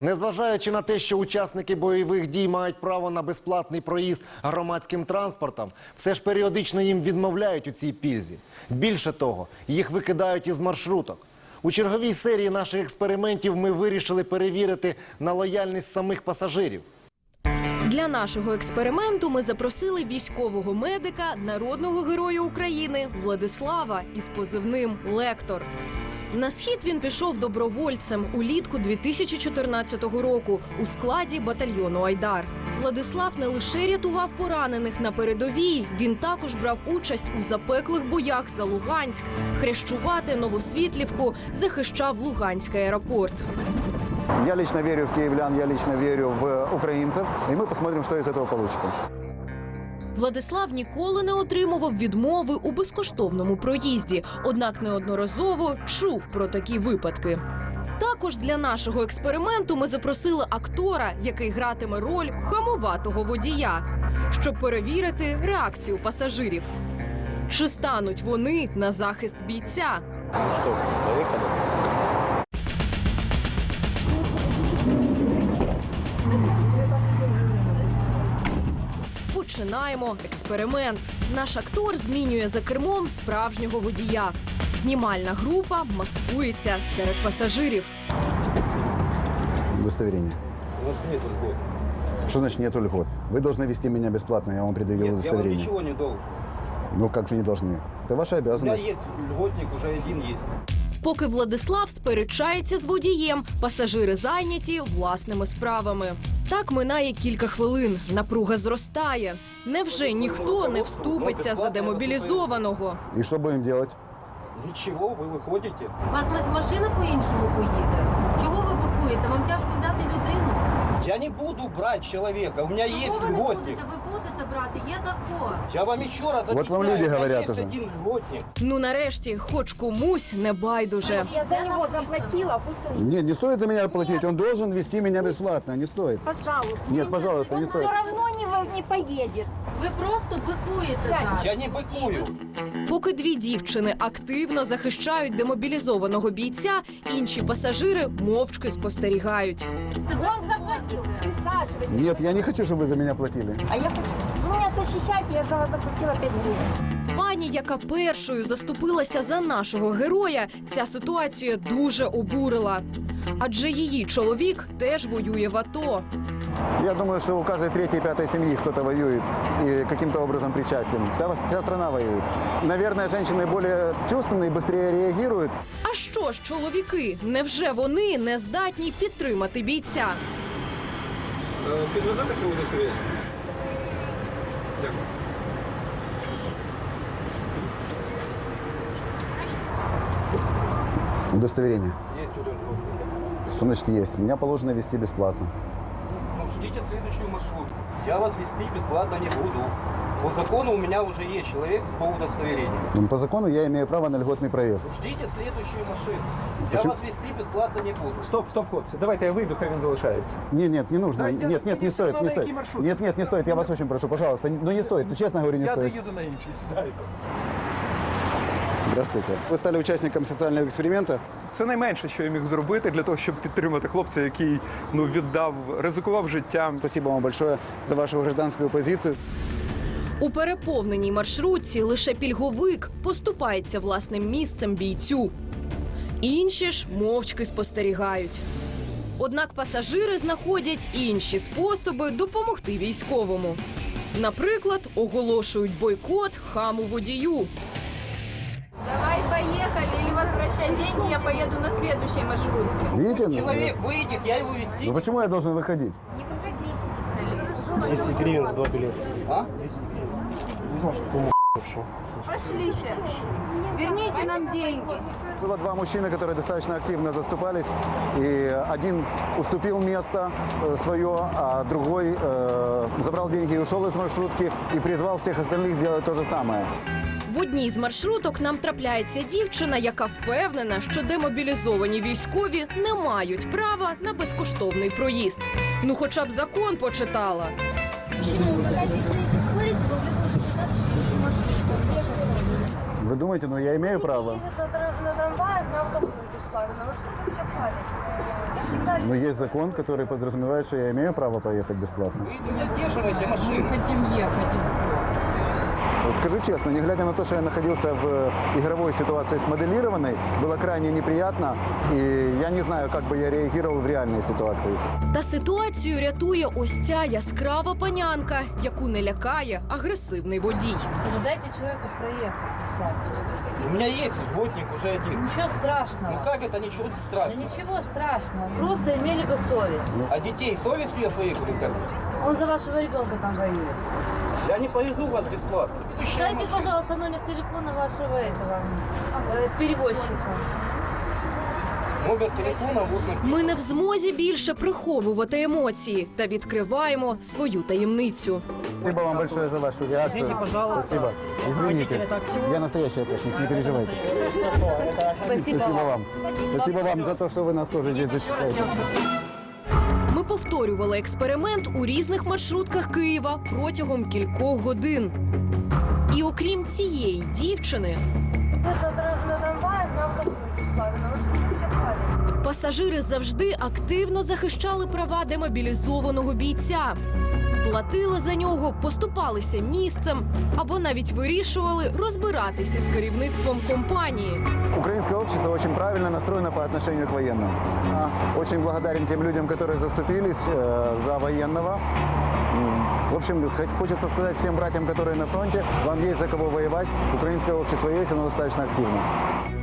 Незважаючи на те, що учасники бойових дій мають право на безплатний проїзд громадським транспортом, все ж періодично їм відмовляють у цій пільзі. Більше того, їх викидають із маршруток. У черговій серії наших експериментів ми вирішили перевірити на лояльність самих пасажирів. Для нашого експерименту ми запросили військового медика, народного героя України Владислава із позивним «Лектор». На схід він пішов добровольцем улітку 2014 року у складі батальйону «Айдар». Владислав не лише рятував поранених на передовій, він також брав участь у запеклих боях за Луганськ, Хрещувати, Новосвітлівку, захищав Луганський аеропорт. Я лично верю в киевлян, я лично верю в украинцев, и мы посмотрим, что из этого получится. Владислав ніколи не отримував відмови у безкоштовному проїзді, однак неодноразово чув про такі випадки. Також для нашого експерименту ми запросили актора, який гратиме роль хамоватого водія, щоб перевірити реакцію пасажирів. Чи стануть вони на захист бійця? Починаємо експеримент. Наш актор змінює за кермом справжнього водія. Знімальна група маскується серед пасажирів. Удостоверение. У вас нет льгот. Что значит нет льгот? Вы должны вести меня бесплатно, я вам предъявил Нет, я вам удостоверение. ничего не должен. Ну как же не должны? Это ваша У меня обязанность. есть льготник, уже один есть. Поки Владислав сперечається з водієм, пасажири зайняті власними справами. Так минає кілька хвилин. Напруга зростає. Невже ніхто не вступиться за демобілізованого? И что будем делать? Ничего, вы выходите. У вас машина по-іншому поїде. Чого ви бакуєте? Вам тяжко взяти людину? Я не буду брать человека, у меня есть Чого ви не льготник. будете? Ви будете брати, є закон. Я вам еще раз объясняю, Вот вам люди у меня говорят есть уже. один льготник. Ну нарешті, хоч комусь не байдуже. Я за него заплатила, пусть он... Нет, не стоит за меня платить, он должен вести меня бесплатно, не стоит. Пожалуйста. Нет, пожалуйста, не Он стоит. все равно не поедет. Ви просто бикуєте зараз. Я не быкую. Поки дві дівчини активно захищають демобілізованого бійця, інші пасажири мовчки спостерігають. Он заплатил. Присаживайтесь. Нет, я не хочу, чтобы вы за меня платили. А я хочу... Вы меня защищаете, я за вас заплатила 5 гривен. Пані, яка першою заступилася за нашого героя, ця ситуація дуже обурила. Адже її чоловік теж воює в АТО. Я думаю, что у каждой третьей, пятой семьи кто-то воюет и каким-то образом причастен. Вся страна воюет. Наверное, женщины более чувственные, быстрее реагируют. А що ж чоловіки? Невже вони не здатні підтримати бійця? Підвезете таке удостоверення? Дякую. Удостоверение. Есть уже льготник. Что значит есть? Меня положено вести бесплатно. Ну, ждите следующую маршрутку. Я вас вести бесплатно не буду. По закону у меня уже есть человек по удостоверению. Но по закону я имею право на льготный проезд. Ждите следующую машину. Я Почему? вас вести бесплатно не буду. Стоп, хлопці, давайте я вийду, хай він залишається. Нет, не нужно. Давайте Нет, не распределите стоит, на не какие стоит. маршруты. Нет, не стоит. Я вас очень прошу, пожалуйста. Ну не стоит. Ну, честно говорю, не Я стоит. доїду на інший, сідайте. Здравствуйте. Вы стали участником социального эксперимента. Це найменше, що я міг зробити для того, щоб підтримати хлопця, який ризикував життям. Спасибо вам большое за вашу гражданскую позицию. У переповненій маршрутці лише пільговик поступається власним місцем бійцю. Інші ж мовчки спостерігають. Однак пасажири знаходять інші способи допомогти військовому. Наприклад, оголошують бойкот хаму водію. Давай поехали или возвращай деньги, я поеду на следующей маршрутке. Видите? Человек выйдет, я его вести. Ну почему я должен выходить? Не выходите. 10 гривен за 2 билета. А? 10 гривен. Не знал, что такому пришел. Пошлите. Верните нам деньги. Было два мужчины, которые достаточно активно заступались, и один уступил место свое, а другой забрал деньги и ушел из маршрутки и призвал всех остальных сделать то же самое. В одній з маршруток нам трапляється дівчина, яка впевнена, що демобілізовані військові не мають права на безкоштовний проїзд. Ну хоча б закон почитала. Вы думаете, ну я имею право? На трамваях, на автобусах бесплатно, но что так все платят? Я всегда Но есть закон, который подразумевает, что я имею право поехать бесплатно. Вы не задерживайте машину. Вот скажу честно, не глядя на то, что я находился в игровой ситуации смоделированной, было крайне неприятно, и я не знаю, как бы я реагировал в реальной ситуации. Та ситуацію рятує ось ця яскрава панянка, яку не лякає агресивний водій. Дайте человеку проехать бесплатно. У меня есть льготник уже один. Ничего Ну страшного. как это ничего Да страшного? ничего страшного. Просто имели бы совесть. А детей совестью я своей буду кормить? Он за вашего ребенка там воюет. Я не повезу вас бесплатно. Ведущая Дайте, машина. пожалуйста, номер телефона вашего перевозчика. Номер телефона вот написан. Ми не в змозі більше приховувати емоції та відкриваємо свою таємницю. Спасибо вам большое за вашу реакцию. Извините, пожалуйста. Спасибо. Извините. Я настоящий опешник, не переживайте. Спасибо вам. Спасибо вам за то, что вы нас тоже здесь защищаете. Ми повторювали експеримент у різних маршрутках Києва протягом кількох годин. І окрім цієї дівчини, на трамваях, на автобусах бесплатно, но что так все платят? пасажири завжди активно захищали права демобілізованого бійця. Платили за нього, поступалися місцем або навіть вирішували розбиратися з керівництвом компанії. Украинское общество очень правильно настроено по отношению к военным. Очень благодарен тем людям, которые заступились за военного. В общем, хочется сказать всем братьям, которые на фронте, вам есть за кого воевать. Украинское общество есть, оно достаточно активно.